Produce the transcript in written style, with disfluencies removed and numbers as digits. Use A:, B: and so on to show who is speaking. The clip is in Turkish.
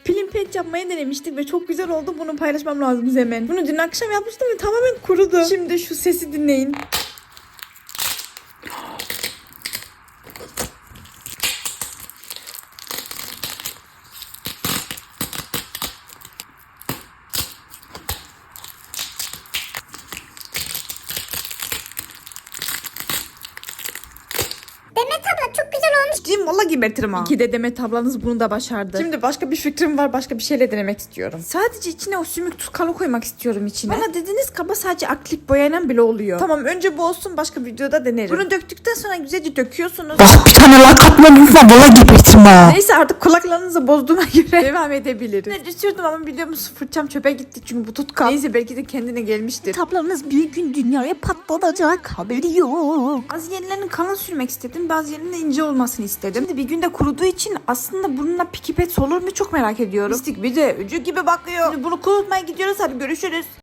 A: Peeling paint yapmayı denemiştik ve çok güzel oldu. Bunu paylaşmam lazım hemen. Bunu dün akşam yapmıştım ve tamamen kurudu. Şimdi şu sesi dinleyin.
B: Demet abla çok güzel olmuş.
A: Ciddiyim valla gebertirim ha. İki de Demet ablanız bunu da başardı. Şimdi başka bir fikrim var. Başka bir şeyle denemek istiyorum. Sadece içine o sümük tuskalı koymak istiyorum içine. Bana dediniz kaba sadece akrilik boyayla bile oluyor. Tamam önce bu olsun, başka videoda denerim. Bunu döktükten sonra güzelce döküyorsunuz.
C: Bak bir tane like atmadıysan valla gebertirim ha.
A: Neyse artık kulaklarınızı bozduğuma göre devam edebiliriz. Ne düşürdüm ama biliyorsunuz fırçam çöpe gitti çünkü bu tutkal. Neyse belki de kendine gelmiştir.
C: Tablanız bir gün dünyaya patlatacak, haberi yok.
A: Bazı yerlerini kalın sürmek istedim. Bazı yerlerinde ince olmasını istedim. Şimdi bir günde kuruduğu için aslında bununla pikipet olur mu çok merak ediyorum. Mistik bir de ucu gibi bakıyor. Şimdi bunu kurutmaya gidiyoruz. Hadi görüşürüz.